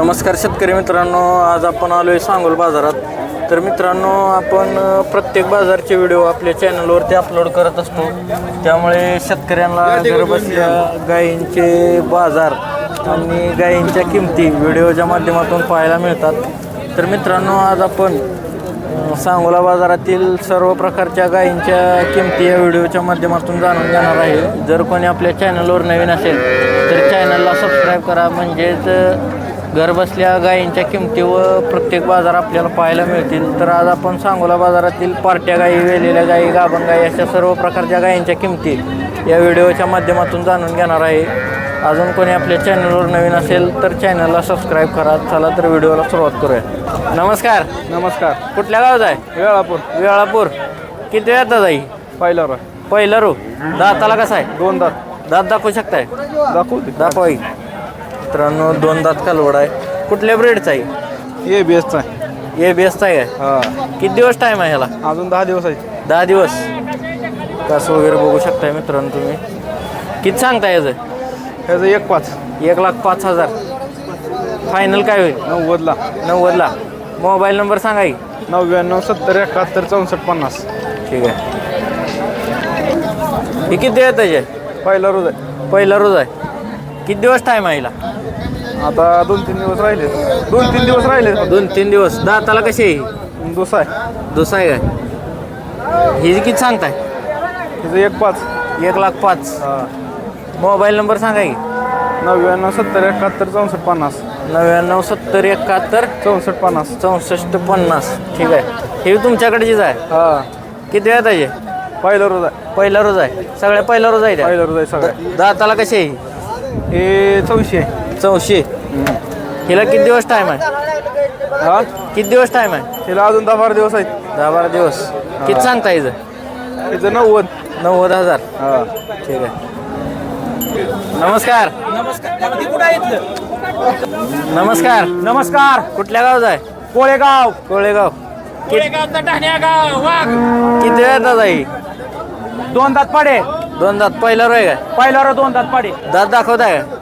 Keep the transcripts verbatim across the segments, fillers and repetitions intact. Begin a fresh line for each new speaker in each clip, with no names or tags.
नमस्कार शेतकरी मित्रांनो, आज आपण आलो आहे सांगोल बाजारात. तर मित्रांनो, आपण प्रत्येक बाजारचे व्हिडिओ आपल्या चॅनलवरती अपलोड करत असतो. त्यामुळे शेतकऱ्यांना घरबसल्या गायींचे बाजार आणि गायींच्या किमती व्हिडिओच्या माध्यमातून पाहायला मिळतात. तर मित्रांनो, आज आपण सांगोला बाजारातील सर्व प्रकारच्या गायींच्या किमती या व्हिडिओच्या माध्यमातून जाणून घेणार आहे. जर कोणी आपल्या चॅनलवर नवीन असेल तर चॅनलला सबस्क्राईब करा, म्हणजेच घरबसल्या गायींच्या किमती व प्रत्येक बाजार आपल्याला पाहायला मिळतील. तर आज आपण सांगोला बाजारातील पार्ट्या गायी, वेलेल्या गायी, गाभण गायी अशा सर्व प्रकारच्या गायींच्या किमती या व्हिडिओच्या माध्यमातून जाणून घेणार आहे. अजून कोणी आपल्या चॅनलवर नवीन असेल तर चॅनलला सबस्क्राईब करा. चला तर व्हिडिओला सुरुवात करूया. नमस्कार.
नमस्कार.
कुठल्या गावात आहे?
वेळापूर.
वेळापूर. किती येतात जाई?
पहिला रो
पहिला रो. दाताला कसा आहे?
दोन दात.
दात दाखवू शकताय?
दाखवू
दाखवा. मित्रांनो, दोन दात कालवड आहे. कुठल्या ब्रेडचा आहे?
ये बेस्टचा आहे.
ये बेस्ट आहे काय?
हा.
किती दिवस टाईम आहे ह्याला?
अजून दहा दिवस आहे.
दहा दिवस. कास वगैरे बघू शकताय मित्रांनो तुम्ही. किती सांगताय याचं?
ह्याचं एक पाच.
एक लाख पाच हजार. फायनल काय होईल?
नव्वदला.
नव्वदला. मोबाईल नंबर सांगा की.
नव्याण्णव सत्तर एकाहत्तर चौसष्ट पन्नास.
ठीक आहे. हे किती आहे त्याचे?
पहिला रोज आहे.
पहिला रोज आहे. किती दिवस टाईम आहे हिला?
आता दोन तीन दिवस राहिले. दोन तीन दिवस राहिले.
दोन तीन दिवस. दाताला कशी आहे?
दुसरा आहे.
दुसरा आहे काय? ही किती सांगताय?
हिचं एक पाच.
एक लाख पाच.
हा.
मोबाईल नंबर सांगा की.
नव्याण्णव सत्तर एकाहत्तर चौसष्ट पन्नास.
नव्याण्णव सत्तर एकाहत्तर
चौसष्ट पन्नास.
चौसष्ट पन्नास. ठीक आहे. हे तुमच्याकडेचीच आहे?
हा.
किती वेळ त्याचे?
पहिला रोज आहे.
पहिला रोज आहे. सगळ्या पहिला रोज आहे त्या?
पहिला रोज आहे सगळं.
दाताला कशी आहे?
हे चौशे आहे.
चौशे. हिला किती दिवस टाईम आहे?
हा.
किती दिवस टाईम आहे?
हिला अजून दहा बारा दिवस आहेत.
दहा बारा दिवस. किती सांगता हिचं?
हिचं नव्वद.
नव्वद हजार.
हा.
ठीक आहे. नमस्कार. नमस्कार.
नमस्कार.
कुठल्या गावात आहे?
कोळेगाव.
कोळेगाव. किती वेळ दादा ही?
दोन दात पाडे.
दोन दात. पहिला रोय काय?
पहिला रो दोन दात पाडे.
दात दाखवताय का?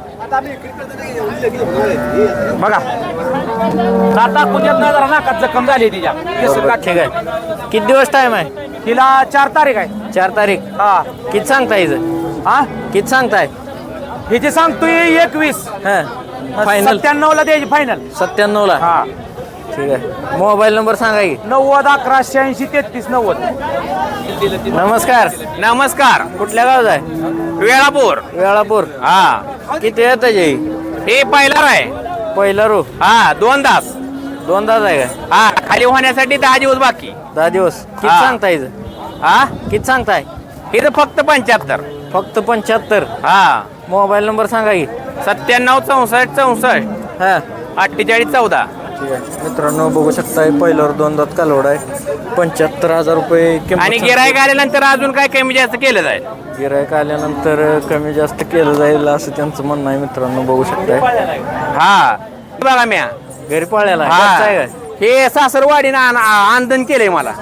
बघा दाता कुठे नाही जरा नाकात जखम झाली तिच्या.
बरोबर, ठीक आहे. किती दिवस टाइम आहे?
तिला चार तारीख आहे.
चार तारीख.
हा.
किती सांगताय हिचं?
हा.
किती सांगताय?
हिची सांगतोय एकवीस.
हां. फायनल
सत्त्याण्णव ला द्यायची फायनल.
सत्त्याण्णव ला.
हा.
ठीक आहे. मोबाईल नंबर सांगा की.
नव्वद अकरा शहाऐंशी तेहतीस नव्वद.
नमस्कार.
नमस्कार.
कुठल्या गावात आहे?
वेळापूर.
वेळापूर.
हा.
किती येत आहे?
हे पहिला आहे.
पहिला रो.
हा. दोन तास.
दोन दात आहे काय?
हा. खाली होण्यासाठी दहा दिवस बाकी.
दहा दिवस. किती
हा.
सांगताय हिचं?
हा.
किती सांगताय?
हे तर फक्त पंच्याहत्तर.
फक्त पंच्याहत्तर.
हा.
मोबाईल नंबर सांगा की.
सत्त्याण्णव चौसष्ट चौसष्ट
हां.
अठ्ठेचाळीस चौदा.
ठीक आहे. मित्रांनो, बघू शकताय पहिल्यावर दोन दात कालवड आहे. पंच्याहत्तर हजार रुपये किंमत.
आणि गिराईक आल्यानंतर अजून काय कमी जास्त केलं जाईल.
गिरायक आल्यानंतर कमी जास्त केलं जाईल असं त्यांचं म्हणणं आहे. मित्रांनो, बघू शकताय.
हा. बघा म्या
घरी पाळलेला आहे.
हा.
घरचा आहे काय?
हे सासरवाडीनं आन- आंदन केलंय मला.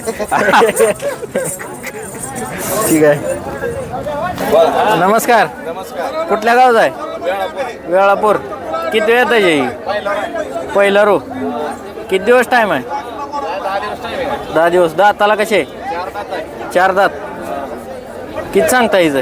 ठीक आहे. नमस्कार. कुठल्या गावात आहे? वेळापूर. किती वेळ येत? पहिला रो. किती दिवस टाईम आहे? दहा दिवस. दाताला कसे? चार दात. किती सांगता हिचं?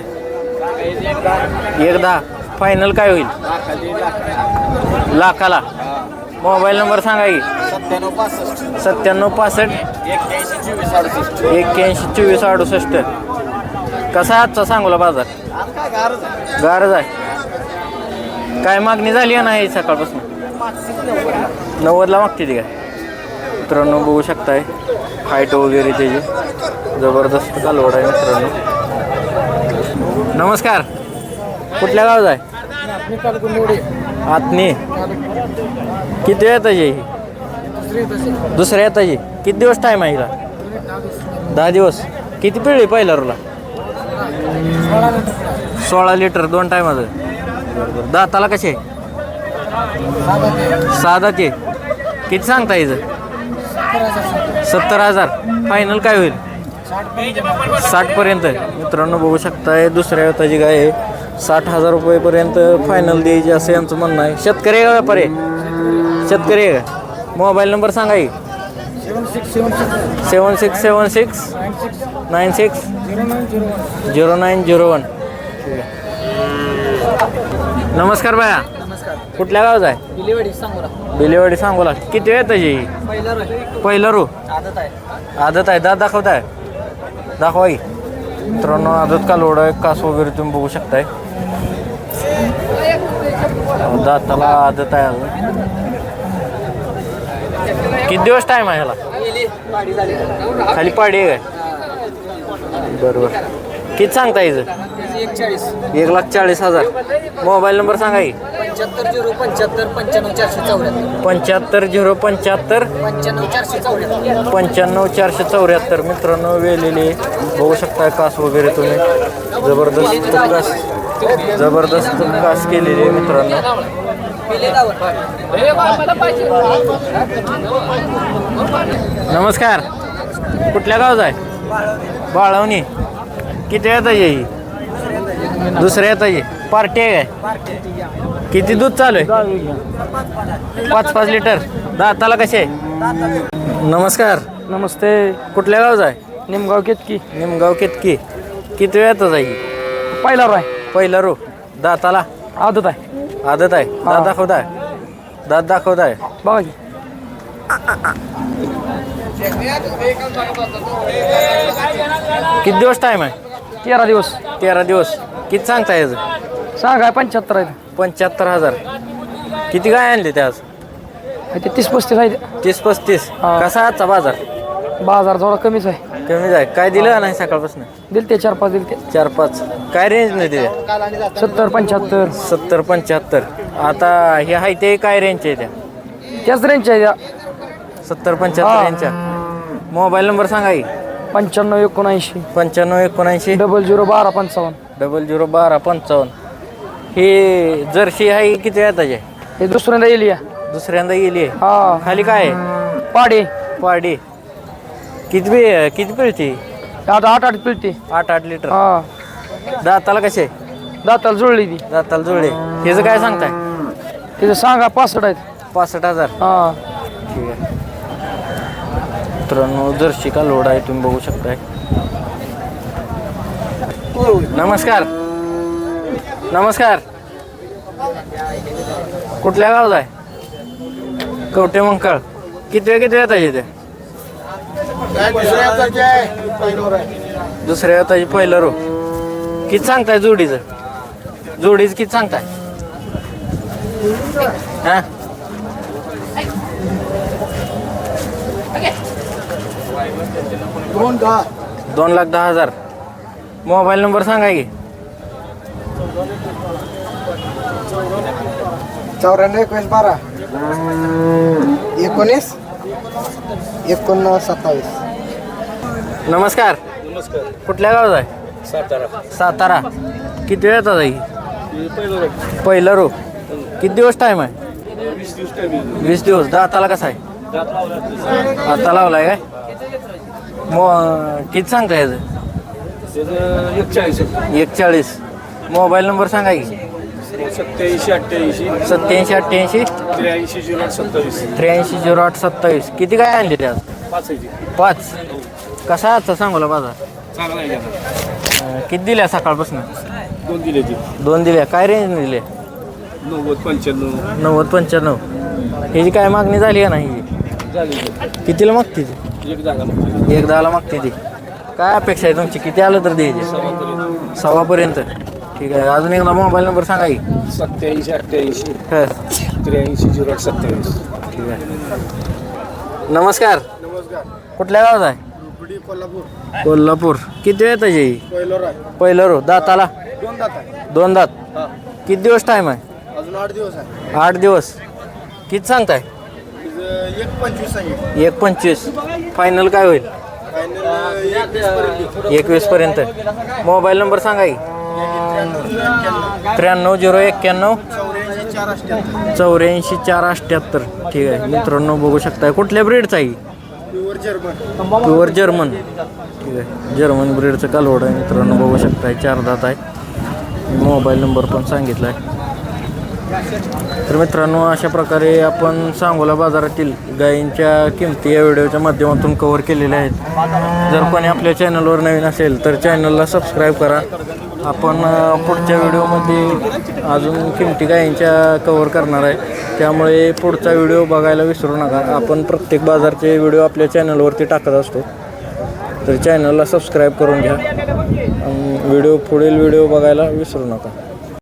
एक दहा. फायनल काय होईल? लाखाला. मोबाईल नंबर सांगा की. सत्त्याण्णव पासष्ट एक्क्याऐंशी चोवीस अडुसष्ट. कसा आहे आजचा सांगोला बाजार? गारज आहे. काय मागणी झाली आहे नाही सकाळपासून? नव्वदला मागते ती काय? मित्रांनो, बघू शकताय हाईट वगैरे त्याची जबरदस्त कालवड आहे. मित्रांनो, नमस्कार. कुठल्या गावात आहे? आतनी. किती येत आहे ही? दुसऱ्या येत आहे. किती दिवस टाईम आहे हिला? दहा दिवस. किती पिळली पहिल्या रोला? सोळा लिटर. दोन टायमाचं. दाताला कसे? साधा ते. किती सांगता हिचं? सत्तर हजार. फायनल काय होईल? साठ पर्यंत. मित्रांनो, बघू शकताय दुसऱ्या व्यताची गाय आहे. साठ हजार रुपयेपर्यंत फायनल द्यायची असं यांचं म्हणणं आहे. शेतकरी का व्यापारी? शेतकरी आहे का? मोबाईल नंबर सांगा की. Seven six seven six nine six zero nine zero one. नमस्कार बाया. कुठल्या गावचा आहे?
बिलेवाडी सांगोला.
बिलेवाडी सांगोला. किती वेळ त्याची?
पहिला रो
पहिला रू
आदत आहे.
आदत आहे. दात दाखवताय दाखवा की. मित्रांनो आदत कालवड आहे. कास वगैरे तुम्ही बघू शकताय. दाताला आदत आहे अजून. किती दिवस टाईम आहे ह्याला?
पाडी झाली.
खाली पाडी आहे काय? बरोबर. किती सांगता याचं?
एक चाळीस.
एक लाख चाळीस हजार. मोबाईल नंबर सांगा की.
पंच्याहत्तर झिरो पंच्याहत्तर पंच्याण्णव चारशे चौऱ्याहत्तर.
पंच्याहत्तर झिरो पंच्याहत्तर
पंच्याण्णव चारशे चौऱ्याहत्तर.
पंच्याण्णव चारशे चौऱ्याहत्तर. मित्रांनो वेलेले बघू शकताय कास वगैरे तुम्ही. जबरदस्त कास जबरदस्त कास केलेली आहे मित्रांनो. नमस्कार. कुठल्या गावचा आहे? बाळवणी. किती येत आहे? दुसऱ्या येत आहे. पार्टी आहे काय? किती दूध चालू आहे? पाच पाच लिटर. दाताला कसे? नमस्कार.
नमस्ते.
कुठल्या गावचा आहे?
निमगाव केतकी.
निमगाव केतकी. किती वेळात आहे?
पहिला रो आहे.
पहिला रो. दाताला
आदत आहे.
आदत आहे. दात दाखवताय दात दाखवताय
बघा की.
किती दिवस टाईम आहे?
तेरा दिवस.
तेरा दिवस. किती सांगता याचं?
सांगा पंच्याहत्तर आहे.
पंच्याहत्तर हजार. किती गाय आणली त्या आज?
ते तीस पस्तीस आहे.
तीस पस्तीस.
हा.
कसा आजचा बाजार?
बाजार थोडा कमीच आहे.
कमी आहे. काय दिलं नाही सकाळपासून?
दिल ते चार पाच दिल ते.
चार पाच. काय रेंज नाही दिल्या?
सत्तर पंच्याहत्तर
सत्तर पंच्याहत्तर. आता हे आहे ते काय रेंजचे आहे त्या?
त्याच रेंज आहे त्या.
सत्तर पंच्याहत्तर यांच्या. मोबाईल नंबर सांगा की.
पंच्याण्णव एकोणऐंशी
पंच्याण्णव एकोणऐंशी
डबल झिरो बारा पंचावन्न.
डबल झिरो बारा पंचावन्न. हे जर्सी आहे किती वेळाची आहे?
हे दुसऱ्यांदा येईल या.
दुसऱ्यांदा गेली आहे.
हा
खाली काय आहे?
पाडे.
पाडी. किती बी किती पिळती?
आता आठ आठ पिळते.
आठ आठ लिटर.
हा
दाताला कसे?
दाताला जुळली ती.
दाताला जुळले. ह्याचं काय सांगताय?
तिथं सांगा पासष्ट आहेत.
पासष्ट हजार.
हा
ठीक आहे. मित्रांनो जर्सी का लोड आहे तुम्ही बघू शकताय. नमस्कार. नमस्कार. कुठल्या गावाला आहे? कवटे मंकाळ. किती वेळ किती वेळ येते? दुसऱ्या येताची पहिलं रो. किती सांगताय जोडीचं? जोडीचं किती सांगताय? हा दोन लाख दहा हजार. मोबाईल नंबर सांगा की.
चौऱ्याण्णव एकवीस बारा एकोणीस एकोणनव्वद सत्तावीस.
नमस्कार.
नमस्कार.
कुठल्या गावात आहे?
सातारा.
सातारा. किती वेळ येतात आई? पहिलं रो. किती दिवस टाईम आहे?
वीस दिवस टाइम.
वीस दिवस. दाताला कसा आहे? आता लावलाय काय? मो किती सांगता याचं?
एक चाळीस.
एक चाळीस. मोबाईल नंबर सांगा की.
सत्याऐंशी अठ्ठ्याऐंशी
सत्याऐंशी अठ्ठ्याऐंशी
त्र्याऐंशी झिरो आठ सत्तावीस.
त्र्याऐंशी झिरो आठ सत्तावीस. किती काय आणले ते आज?
पाच आहे.
पाच. कसा आहे आजचा सांगोला बाजार?
चांगला आहे.
अं, किती दिल्या सकाळपासून?
दोन दिले ती.
दोन दिल्या. काय रेंज दिले?
नव्वद पंच्याण्णव
नव्वद पंच्याण्णव. ह्याची काय मागणी झाली का नाही?
झाले.
कितीला मागते ती?
एक जागा
एक दहाला मागते ती. काय अपेक्षा आहे तुमची? किती आलं तर द्यायचे? सव्वापर्यंत. ठीक आहे. अजून एकदा मोबाईल नंबर सांगा की.
सत्याऐंशी अठ्ठ्याऐंशी
हं.
त्र्याऐंशी झिरो आठ सत्तावीस.
ठीक आहे. नमस्कार. कुठल्या गावात आहे?
कोल्हापूर.
कोल्हापूर. किती वेळ त्याची?
पहिलं
पहिलं रो. दाताला
दोन दात आहे.
दोन दात. किती दिवस टाईम आहे?
अजून आठ दिवस आहे.
आठ दिवस. किती सांगताय?
तिचं एक पंचवीस सांगितलं.
एक पंचवीस. फायनल काय होईल?
फायनल एकवीस पर्यंत.
एकवीस पर्यंत. मोबाईल नंबर सांगा की. त्र्याण्णव झिरो एक्क्याण्णव
चौऱ्याऐंशी चार अठ्ठ्याहत्तर.
चौऱ्याऐंशी चार अठ्ठ्याहत्तर. ठीक आहे. मित्रांनो बघू शकताय. कुठल्या ब्रीडचा आहे?
Pure German.
Pure German. ठीक आहे. जर्मन ब्रीडचं कालवड आहे मित्रांनो बघू शकताय. चार दात आहे. मोबाईल नंबर पण सांगितला आहे. तर मित्रांनो अशा प्रकारे आपण सांगोला बाजारातील गायींच्या किमती या व्हिडिओच्या माध्यमातून कव्हर केलेल्या आहेत. जर कोणी आपल्या चॅनलवर नवीन असेल तर चॅनलला सबस्क्राईब करा. आपण अ, पुढच्या व्हिडिओमध्ये अजून किमती गायींच्या कव्हर करणार आहे, त्यामुळे पुढचा व्हिडिओ बघायला विसरू नका. आपण प्रत्येक बाजारचे व्हिडिओ आपल्या चॅनलवरती टाकत असतो, तर चॅनलला सबस्क्राईब करून घ्या. व्हिडिओ पुढील व्हिडिओ बघायला विसरू नका.